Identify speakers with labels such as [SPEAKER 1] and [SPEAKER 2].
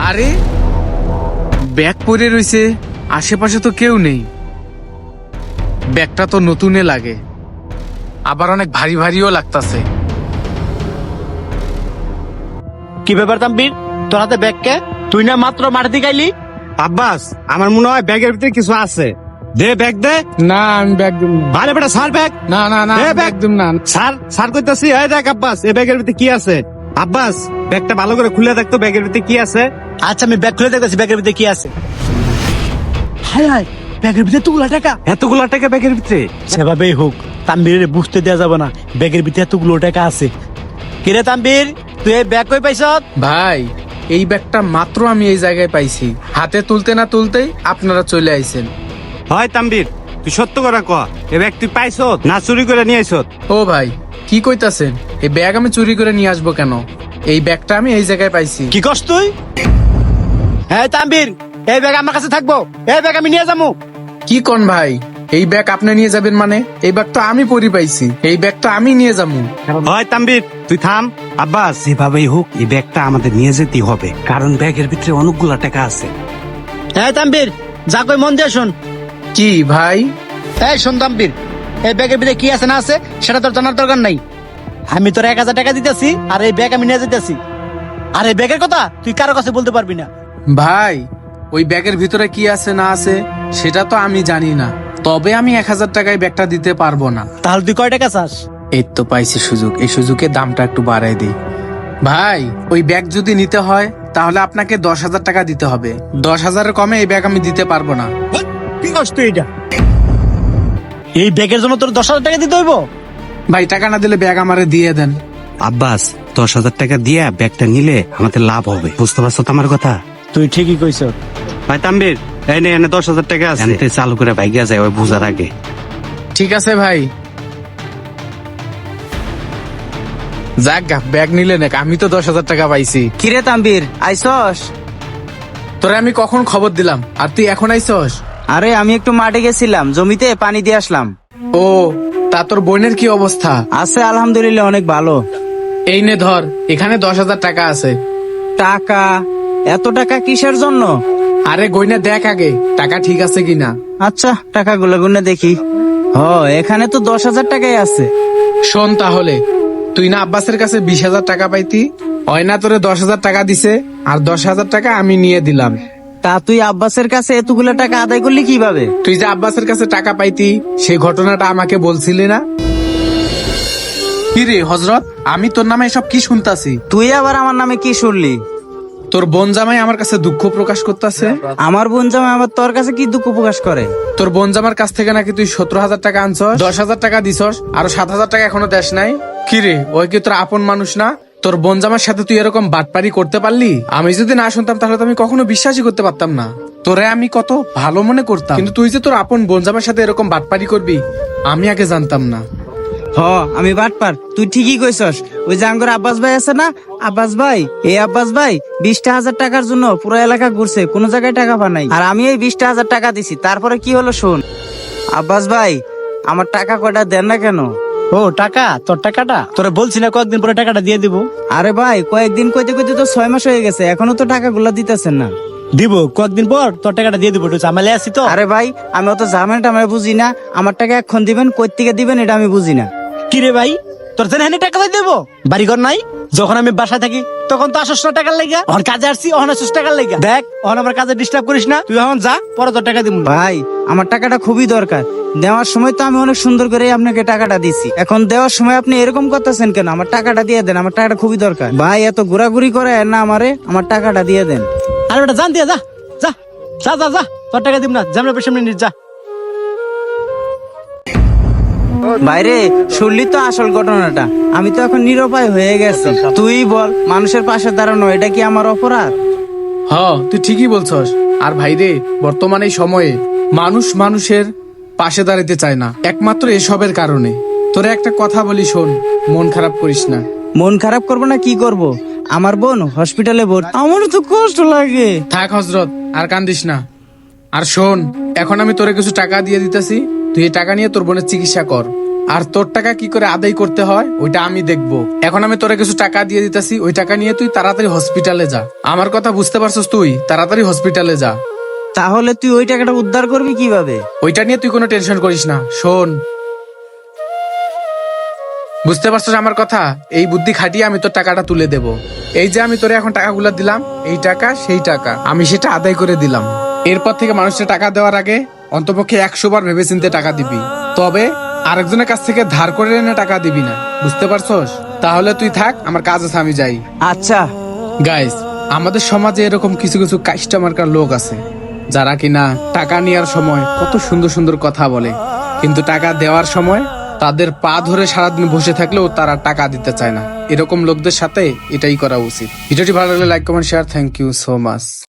[SPEAKER 1] আরে ব্যাগ পরে রইছে, আশেপাশে তো কেউ নেই। ব্যাগটা তো নতুনে লাগে, আবার অনেক ভারী ভারীও লাগতাছে।
[SPEAKER 2] কি ব্যাপার তাম্বির, তোর হাতে ব্যাগ কে? তুই না মাত্র মাঠে গাইলি?
[SPEAKER 3] আব্বাস, আমার মনে হয় ব্যাগের ভিতরে কিছু আছে। দে ব্যাগ দে।
[SPEAKER 1] না আমি ব্যাগ দিব না।
[SPEAKER 3] আরে বেটা স্যার ব্যাগ।
[SPEAKER 1] না না না,
[SPEAKER 3] এ,
[SPEAKER 1] ব্যাগ
[SPEAKER 3] ব্যাগ।
[SPEAKER 1] দিব না।
[SPEAKER 3] স্যার স্যার কইতাছি, এই দেখ আব্বাস, এই ব্যাগের ভিতরে কি আছে। আব্বাস, ব্যাগটা ভালো করে খুলে দেখতো ব্যাগের ভিতরে কি আছে।
[SPEAKER 2] আচ্ছা আমি ব্যাগ খুলে দেখতেছি ব্যাগের ভিতরে কি আছে। হায় হায়, ব্যাগের ভিতরে এতগুলা টাকা।
[SPEAKER 3] এতগুলা টাকা ব্যাগের ভিতরে?
[SPEAKER 2] সেভাবেই হোক, তাম্বির বুঝতে দেওয়া যাবে না ব্যাগের ভিতরে এতগুলো টাকা আছে। কিরে তাম্বির, তুই এই ব্যাগ কই পাইছ?
[SPEAKER 1] ভাই এই ব্যাগটা মাত্র আমি এই জায়গায় পাইছি, হাতে তুলতে না তুলতেই আপনারা চলে আইছেন।
[SPEAKER 3] হয় তাম্বির, তুই সত্য করে ক, এই ব্যাগ তুই পাইছত না চুরি করে নিয়ে আইছত?
[SPEAKER 1] ও ভাই কি কইতাছেন, এই ব্যাগ আমি চুরি করে নিয়ে আসবো কেন? এই ব্যাগটা আমি এই জায়গায় পাইছি।
[SPEAKER 2] কি কস তুই? হ্যাঁ তাম্বির, এই ব্যাগ আমার কাছে থাকবো, এই ব্যাগ আমি নিয়ে যাবো।
[SPEAKER 1] কি কোন ভাই, এই ব্যাগ আপনি নিয়ে যাবেন মানে? এই ব্যাগ তো আমি পরি পাইছি, এই ব্যাগ তো আমি নিয়ে যাবো।
[SPEAKER 3] হয় তাম্বির, তুই থাম। আব্বাস, যেভাবেই হোক এই ব্যাগটা আমাদের নিয়ে যেতেই হবে, কারণ ব্যাগের ভিতরে অনেকগুলা টাকা আছে।
[SPEAKER 2] হ্যাঁ তাম্বির, যা কই মন দিয়ে শোন।
[SPEAKER 1] কি ভাই?
[SPEAKER 2] এই শোন তাম্বির, এই ব্যাগের ভিতরে কি আছে না আছে সেটা তোর জানার দরকার নাই। আমি তোর 1000 টাকা দিতেছি আর এই ব্যাগ আমি নিয়ে যেতেছি। আর এই ব্যাগের কথা তুই কারো কাছে বলতে পারবি না।
[SPEAKER 1] ভাই ওই ব্যাগের ভিতরে কি আছে না আছে সেটা তো আমি জানি না, তবে আমি 1000 টাকায় ব্যাগটা দিতে পারবো না।
[SPEAKER 2] তাহলে তুই কয় টাকা চাস?
[SPEAKER 1] এই তো পাইছি সুযোগ, এই সুযোগে দামটা একটু বাড়াই দিই। ভাই ওই ব্যাগ যদি নিতে হয় তাহলে আপনাকে 10,000 টাকা দিতে হবে। 10,000-এর কমে এই ব্যাগ আমি দিতে পারবো না।
[SPEAKER 2] কি করছ তুই এটা? এই ব্যাগের জন্য তোর 10,000 টাকা দিতে হইব?
[SPEAKER 1] ভাই টাকা না দিলে ব্যাগ আমারে দিয়ে দেন।
[SPEAKER 3] আব্বাস, 10,000 টাকা দিয়ে ব্যাগটা নিলে আমাদের লাভ হবে, বুঝতে পারছো তো আমার কথা?
[SPEAKER 2] তুই ঠিকই কইছ।
[SPEAKER 3] ভাই তাম্বির, এই নে, এনে 10,000 টাকা আছে, এনতে চালু করে ভাইগা যায় ওই বুঝার আগে।
[SPEAKER 1] ঠিক আছে ভাই, যাক গা, ব্যাগ নিলে নাক, আমি তো 10,000 টাকা পাইছি।
[SPEAKER 4] কিরে তাম্বির, আইসস?
[SPEAKER 1] তোরে আমি কখন খবর দিলাম আর তুই এখন আইসস?
[SPEAKER 4] আরে আমি একটু মাঠে গেছিলাম, জমিতে পানি দিয়ে আসলাম।
[SPEAKER 1] ও, তা তোর বোনের কি অবস্থা?
[SPEAKER 4] আছে আলহামদুলিল্লাহ, অনেক ভালো।
[SPEAKER 1] এই নে ধর, এখানে 10,000 টাকা আছে।
[SPEAKER 4] টাকা? এত টাকা কিসের জন্য?
[SPEAKER 1] আরে গয়না দেখ আগে টাকা ঠিক আছে কিনা।
[SPEAKER 4] আচ্ছা টাকা গুনে দেখি। এখানে তো 10,000 টাকাই আছে।
[SPEAKER 1] শোন তাহলে, তুই না আব্বাসের কাছে 20,000 টাকা পাইতি, অয়না তোরে 10,000 টাকা দিছে আর 10,000 টাকা আমি নিয়ে দিলাম।
[SPEAKER 4] তা তুই আব্বাসের কাছে এতগুলো টাকা আদায় করলি কিভাবে?
[SPEAKER 1] তুই যে আব্বাসের কাছে টাকা পাইতি সেই ঘটনাটা আমাকে বলছিলি না? কি রে হজরত, আমি তোর নামে এসব কি শুনতাছি?
[SPEAKER 4] তুই আবার আমার নামে কি শুনলি?
[SPEAKER 1] তোর বোন জামাই আমার কাছে দুঃখ প্রকাশ করতেছে।
[SPEAKER 4] আমার বোন জামাই আবার তোর কাছে কি দুঃখ প্রকাশ করে?
[SPEAKER 1] তোর বোন জামার কাছ থেকে নাকি তুই 17,000 টাকা আনছস, 10,000 টাকা দিছস, আরো 7,000 টাকা এখনো দেশ নাই। কি রে, ওই কি তোর আপন মানুষ না? তোর বোন জামার সাথে তুই এরকম বাটপারি করতে পারলি? আমি যদি না শুনতাম তাহলে তো আমি কখনো বিশ্বাসই করতে পারতাম না। তোরে আমি কত ভালো মনে করতাম, কিন্তু তুই যে তোর আপন বোন জামার সাথে এরকম বাটপারি করবি আমি আগে জানতাম না।
[SPEAKER 4] আমি বাটপার, তুই ঠিকই কইছস। ওই যে আঙ্গর আব্বাস ভাই আছে না, আব্বাস ভাই, এই আব্বাস ভাই 20,000 টাকার জন্য পুরো এলাকা ঘুরছে, কোনো জায়গায় টাকা পা নাই। আর আমি এই 20,000 টাকা দিছি, তারপরে কি হলো শোন। আব্বাস ভাই আমার টাকা কয়টা দেন না কেন?
[SPEAKER 2] ও টাকা, তোর টাকাটা তোরা বলছি না কয়েকদিন পরে টাকাটা দিয়ে দিব।
[SPEAKER 4] আরে ভাই কয়েকদিন কইতে কইতে তো 6 মাস হয়ে গেছে, এখনো তো টাকাগুলো দিতেছেন না।
[SPEAKER 2] দিব কয়েকদিন পর তোর টাকাটা দিয়ে দিব, একটু ঝামেলা আছি তো।
[SPEAKER 4] আরে ভাই আমি অত ঝামেলা টামেলা বুঝি না, আমার টাকা এখন দিবেন, কই থেকে দিবেন এটা আমি বুঝি না।
[SPEAKER 2] কিরে ভাই, তোর জেনে টাকা দিয়ে দেবো? বাড়িঘর নাই? যখন আমি বাসায় থাকি তখন তো আসস না টাকার লেগা, অন কাজে আসছি অন আসস টাকার লেগা। দেখ অন আমার কাজে ডিস্টার্ব করিস না, তুই এখন যা, পরে তোর টাকা দিব।
[SPEAKER 4] ভাই আমার টাকাটা খুবই দরকার, দেওয়ার সময় তো আমি অনেক সুন্দর করে আপনাকে টাকাটা দিছি, এখন দেওয়ার সময় আপনি এরকম করতেছেন কেন? আমার টাকাটা দিয়ে দেন, আমার টাকাটা খুবই দরকার। ভাই এত ঘোরাঘুরি করে না আমারে, আমার টাকাটা দিয়ে দেন।
[SPEAKER 2] আরে বেটা জান দিয়া, যা যা যা যা যা, তোর টাকা দিব না, ঝামেলা পেছনে নিস যা।
[SPEAKER 4] বাইরে শুনলি তো আসল ঘটনাটা, আমি তো এখন নিরুপায় হয়ে গেছি। তুই বল, মানুষের পাশে দাঁড়ানো এটা কি আমার অপরাধ?
[SPEAKER 1] তুই ঠিকই বলছস। আর ভাই রে, বর্তমানে এই সময়ে মানুষ মানুষের পাশে দাঁড়াতে চায় না, একমাত্র এসবের কারণে। তোরে একটা কথা বলি শোন, মন খারাপ করিস না।
[SPEAKER 4] মন খারাপ করবো না কি করব? আমার বোন হসপিটালে ভর্তি, আমারও তো কষ্ট লাগে।
[SPEAKER 1] থাক হজরত, আর কান্দিস না। আর শোন, এখন আমি তোরে কিছু টাকা দিয়ে দিতেছি, তুই এই টাকা নিয়ে তোর বোনের চিকিৎসা কর। আর তোর টাকা কি করে আদায় করতে হয় ওইটা আমি দেখবো। এখন আমি তোরে কিছু টাকা দিয়ে দিতেছি, ওই টাকা নিয়ে তুই তাড়াতাড়ি হসপিটালে যা। আমার কথা বুঝতে পারছিস? তুই তাড়াতাড়ি হসপিটালে যা।
[SPEAKER 4] তাহলে তুই ওই টাকাটা উদ্ধার করবি কিভাবে?
[SPEAKER 1] ওইটা নিয়ে তুই কোনো টেনশন করিস না। শোন, বুঝতে পারছিস আমার কথা? এই বুদ্ধি খাটিয়ে আমি তোর টাকাটা তুলে দেব। এই যে আমি তোরে এখন টাকাগুলো দিলাম, এই টাকা সেই টাকা আমি সেটা আদায় করে দিলাম। এরপর থেকে মানুষের টাকা দেওয়ার আগে অন্তপক্ষে 100 বার ভেবেচিন্তে টাকা দিবি, তবে আরেকজনের কাছ থেকে ধার করে এনে টাকা দিবি না। বুঝতে পারছস? তাহলে তুই থাক, আমার কাজ আছে, আমি যাই।
[SPEAKER 4] আচ্ছা।
[SPEAKER 1] গাইস, আমাদের সমাজে এরকম কিছু কিছু কাস্টমার লোক আছে যারা কিনা টাকা নেওয়ার সময় কত সুন্দর সুন্দর কথা বলে, কিন্তু টাকা দেওয়ার সময় তাদের পা ধরে সারাদিন বসে থাকলেও তারা টাকা দিতে চায় না। এরকম লোকদের সাথে এটাই করা উচিত। ভিডিওটি ভালো লাগলে like comment share. Thank you so much.